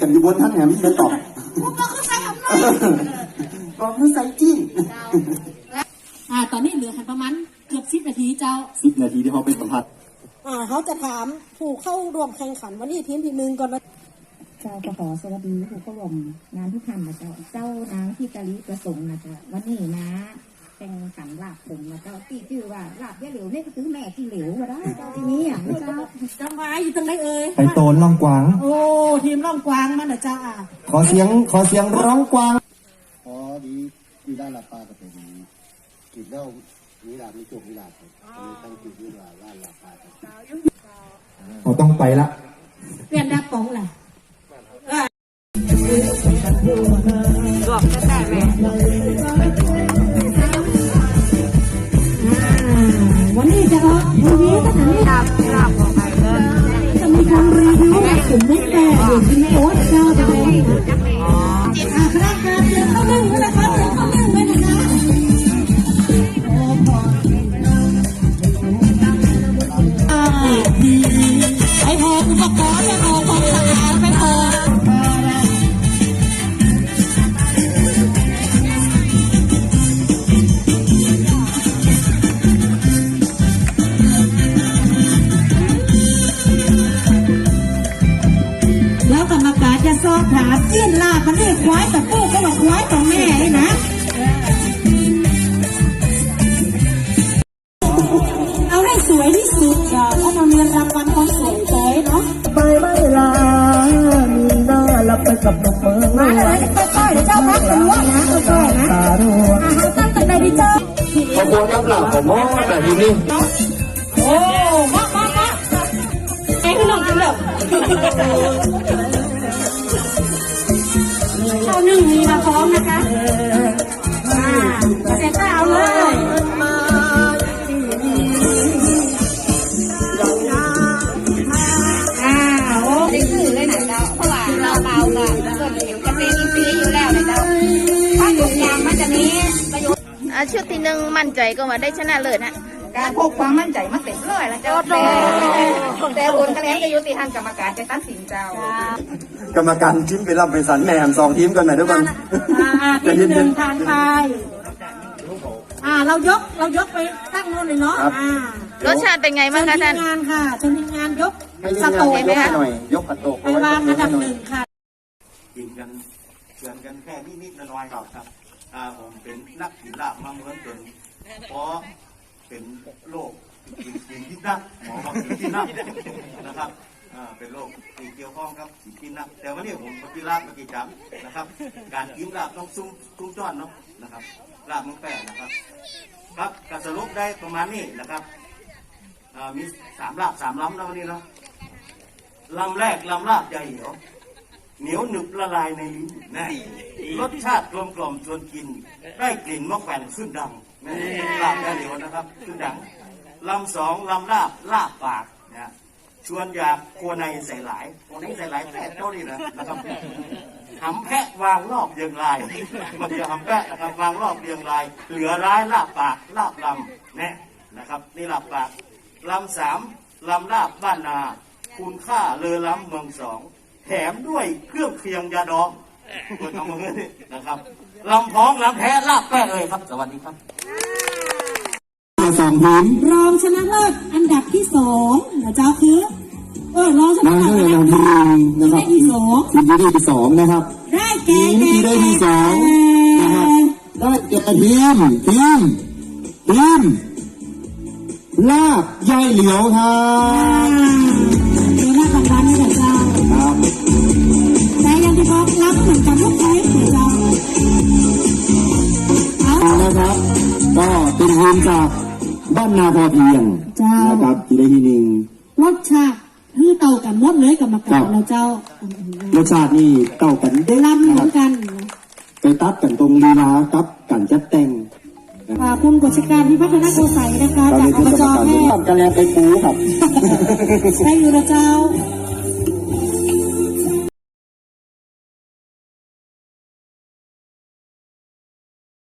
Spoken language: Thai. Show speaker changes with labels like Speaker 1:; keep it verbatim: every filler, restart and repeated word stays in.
Speaker 1: กันอยู่บนท่านแหมไม่ตอบ
Speaker 2: ก็คือใส่คำนั้น
Speaker 1: ก็คือใส่จิ้น
Speaker 2: อ่าตอนนี้เหลือประมาณเกือบสิบนาทีเจ้า
Speaker 1: สิบนาทีที่เขาเป็นสัมผัส
Speaker 3: อ่าเขาจะถามผู้เข้าร่วมแข่งขันวันนี้ทีมที่หนึ่งก่อนนะ
Speaker 4: เจ้าก็ขอสวัสดีผู้เข้าร่วมงานทุกท่านนะเจ้าเจ้านางที่กะลิประสงค์นะเจ้าวันนี้นะแข่งขันลาบผมนะเจ้าที่ชื่อว่าลาบยะเหลวนี่ก็คือแม่ที่เหลวก็ได้เจ้าทีนี้อ่ะเจ้า
Speaker 3: จังหวะอยู่ตรงไหนเอ่ย
Speaker 1: ไปโตนล่องกวาง
Speaker 3: โอ้ทีมล่องกวางมันนะเจ้าอ่ะ
Speaker 1: ขอเสียงขอเสียงร้องกวาง
Speaker 5: ขอดีดีด้านลาปลาก็เป็นกีดเล่าวิลามีจุกวิลาครับตั้งกีดวิลาล่าลาปลา
Speaker 1: เราต้องไปละ
Speaker 3: เปลี่ยนดับป๋องแหละ
Speaker 2: บอกก็ได้ไหม
Speaker 3: วันนี้จะออกทีวีก็จะมี
Speaker 2: ลาบลาบออกไปเลย
Speaker 3: จะมีการรีวิวกลุ่มไม่แต่อยู่ที่โอ๊ตเจ้าจะเป็นอ่าคณะการเตรียมเข้านึ่งนะคะเตรียมเข้านึ่งไว้นะคะไอ้พออุปกรณ์ไม่พอความสะอาดไม่พอแล้วกรรมการจะสอบถามยื่นลาบมันเรียกควายแต่ปูก็บอกควายต่อแม่เลยนะเอาให้สวยที่สุดค่ะเพราะมันมีรางวัลความสวยสวยเนาะ
Speaker 1: ไปไม่ลามีหน้าลับไปกับนกเมือง
Speaker 3: มาเลยค่อยๆเดี๋ยวเจ้าพักกันว่านะค่อยๆนะอาหารตั้งแต่ไหนดีเจ้า
Speaker 1: ขอบคุณครับหลับผมว่าแต่ทีนี้
Speaker 3: โอ้มามามาไอ้ขนมกันแบบข้าวนึ่งมีมาพร้อมนะคะอ่าเสร็จแล้วเอาเลยอ่าโอ้
Speaker 2: ได้คือเลยนะเจ้าเพราะว่าเราเบาก็ส่วนเดี๋ยวจะเป็นอินทรีย์อยู่แล้วนะเจ้าถ้าทุกอย่างมันจะมีประโยชน์
Speaker 6: อ่าชุดที่หนึ่งมั่นใจก็มาได้ชนะเลิศนะ
Speaker 2: การพกความมั่นใจมาเต็มเลยแล้วเจ้าแต่แต่ผลคะแนนจะยุติธรรมกรรมการจะตัดสินเจ้าก
Speaker 1: รรมการทีมไปรับไปสันแหนมสองทีมกันหน่อยทุกคน
Speaker 3: ทีมหนึ่งทานไปอ่าเรายกเรายกไปตั้งนู่นเลยเนาะอ่าร
Speaker 6: สชาติเป็นไงบ้างคะท่าน
Speaker 3: งานค่ะเชิญทีมงานยก
Speaker 1: สโต๊ะไหมคะหน่อยยกกระโตก
Speaker 3: ไปวางอันดับหนึ่งค่ะ
Speaker 7: กินกันเชือนกันแค่นิดๆน้อยๆครับครับอ่าผมเป็นนักกีฬามาเหมือนเป็นเพราะเป็นโรคกินกินที่นักหมอบอกกินที่นักนะครับอ่าเป็นโรคที่เกี่ยวข้องกับกินนักแต่วันนี้ผมกินลาบมากี่จำนะครับการกินลาบต้องซุ้มซุ้มจ้อนเนาะนะครับลาบมังแปะนะครับครับการสรุปได้ประมาณนี้นะครับอ่ามีสามลาบสามลำนะวันนี้เนาะลำแรกลำลาบใหญ่เหรอเหนียวหนึบละลายในลิ้นนะรสชาติกลมกล่อมชวนกินได้กลิ่นมะแขวนขึ้นดังนะลาบเหนียวนะครับขึ้นดังลำสองลำลาบลาบปากนะชวนอยากครัวในใส่หลายครัวในใส่หลายแค่เท่านี้นะนะครับหำแพะวางรอบเรียงรายมันจะหำแพะนะครับวางรอบเรียงรายเหลือร้ายลาบปากลาบลำนะนะครับนี่ลาบปากลำสามลำลาบบ้านนาคุณค่าเลอล้ำเมืองสองแถมด้วยเครื่องเคียงยาดองคนทำมาเงี้ยนะครับลำพ้องลำแพ้ลาบแป้เลยครับสวัสดีครับ
Speaker 1: สองทีม
Speaker 3: รองชนะเลิศอันดับที่สองนะเจ้าคือเออรองชนะเลิศอันดับที่สอง
Speaker 1: ทีมที่ที่สองนะครับ
Speaker 3: ได้แก่
Speaker 1: ทีมที่ได้ที่สองนะครับได้แก่ทีมทีมทีมลาบยายเหลียวครับ
Speaker 3: เดี๋ยวนักการนี่แหละเจ้า
Speaker 1: ครับ
Speaker 3: แต่ยังที่บอกรับเหมือนกันทุกไทยเจ้า
Speaker 1: นะครับก็เป็นทีมจากบ้านนาพอเพียงนะครับที่ได้ที่หนึ่ง
Speaker 3: รสชาติคือเต่ากันหมดเลยกับมะกอกแล้วเจ้าร
Speaker 1: สชาตินี่เต่ากัน
Speaker 3: ได้ล้ำเหมือนกัน
Speaker 1: ไปตัดกันตรงลีลากับกันจัดแต่ง
Speaker 3: คุณกฤษการพิพัฒนาโกสัยนะคะจากอบจแม่
Speaker 1: กันแล้วไปปูครับ
Speaker 3: ได้อยู่นะเจ้า